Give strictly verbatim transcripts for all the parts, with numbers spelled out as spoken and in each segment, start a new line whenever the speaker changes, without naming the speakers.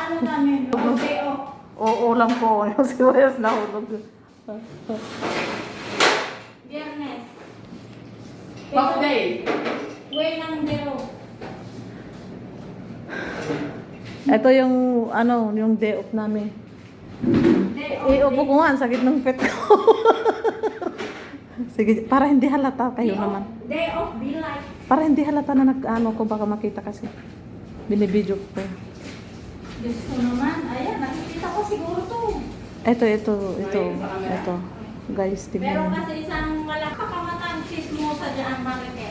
ano namin, okay, oh.
O ulam ko, yung sibuyas na hulog.
Biyernes.
Half day.
Way ng dero.
Ito yung, ano, yung day off namin.
Day off.
Iupo ko nga, ang sakit ng pet ko. Sige, para hindi halata kayo
Day off.
naman.
Day off, be like.
Para hindi halata na nag-ano ko, baka makita kasi. Binibidyo ko.
Diyos ko naman, ayan, nakikita ko siguro to.
Ito, ito, ito, ito. Guys,
Meron
tingnan.
kasi isang malakakamatang chismosa dyan, bakit eh?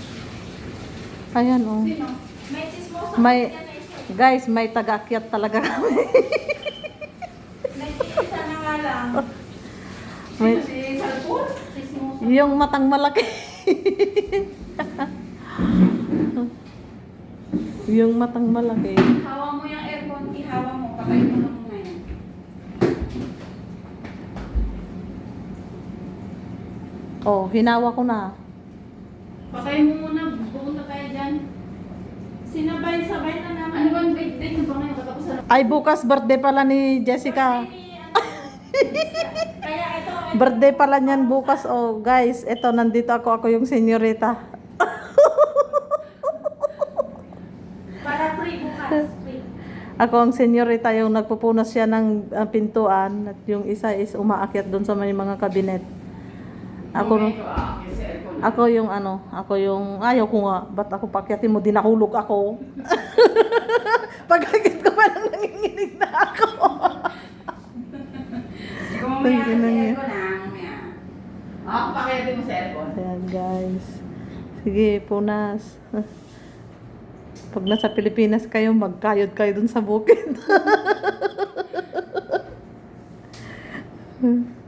Ayan, oh.
Sino? May chismosa
May-
kasi dyan eh.
Guys, may taga-akyat talaga kami.
Nag-iisa na nga lang.
May,
Si Salpur?
Chismosa.
yung matang malaki. Yung matang malaki.
Hawa mo yung aircon, ihawa mo, patay mo lang ngayon.
Oh, hinawa ko na.
Patay mo muna, pupunta tayo dyan. Sinabay-sabay na naman.
Ano ba ang date date na ba ngayon? Katapos na.
Ay, bukas birthday pala ni Jessica.
Birthday ni, ano, Kaya ito, ito.
Birthday pala niyan bukas. Oh, guys, eto, nandito ako. Ako yung senyorita.
Para free bukas. Free.
Ako ang senyorita, yung nagpupunas siya ng uh, pintuan. At yung isa is umaakyat doon sa may mga kabinet. Ako,
Okay, ito, ah, okay, sa aircon.
ako yung ano, ako yung, ayaw ko nga, ba't ako pakyatin mo, dinahulog ako. Pagkakit ko pa lang nanginginig na ako.
Ikaw mamaya
Thank you,
sa
Nanya.
aircon ah, mamaya. Ako pakiyatin mo sa aircon.
Ayan guys. Sige, punas. Pag nasa Pilipinas kayo, magkayod kayo dun sa bukid.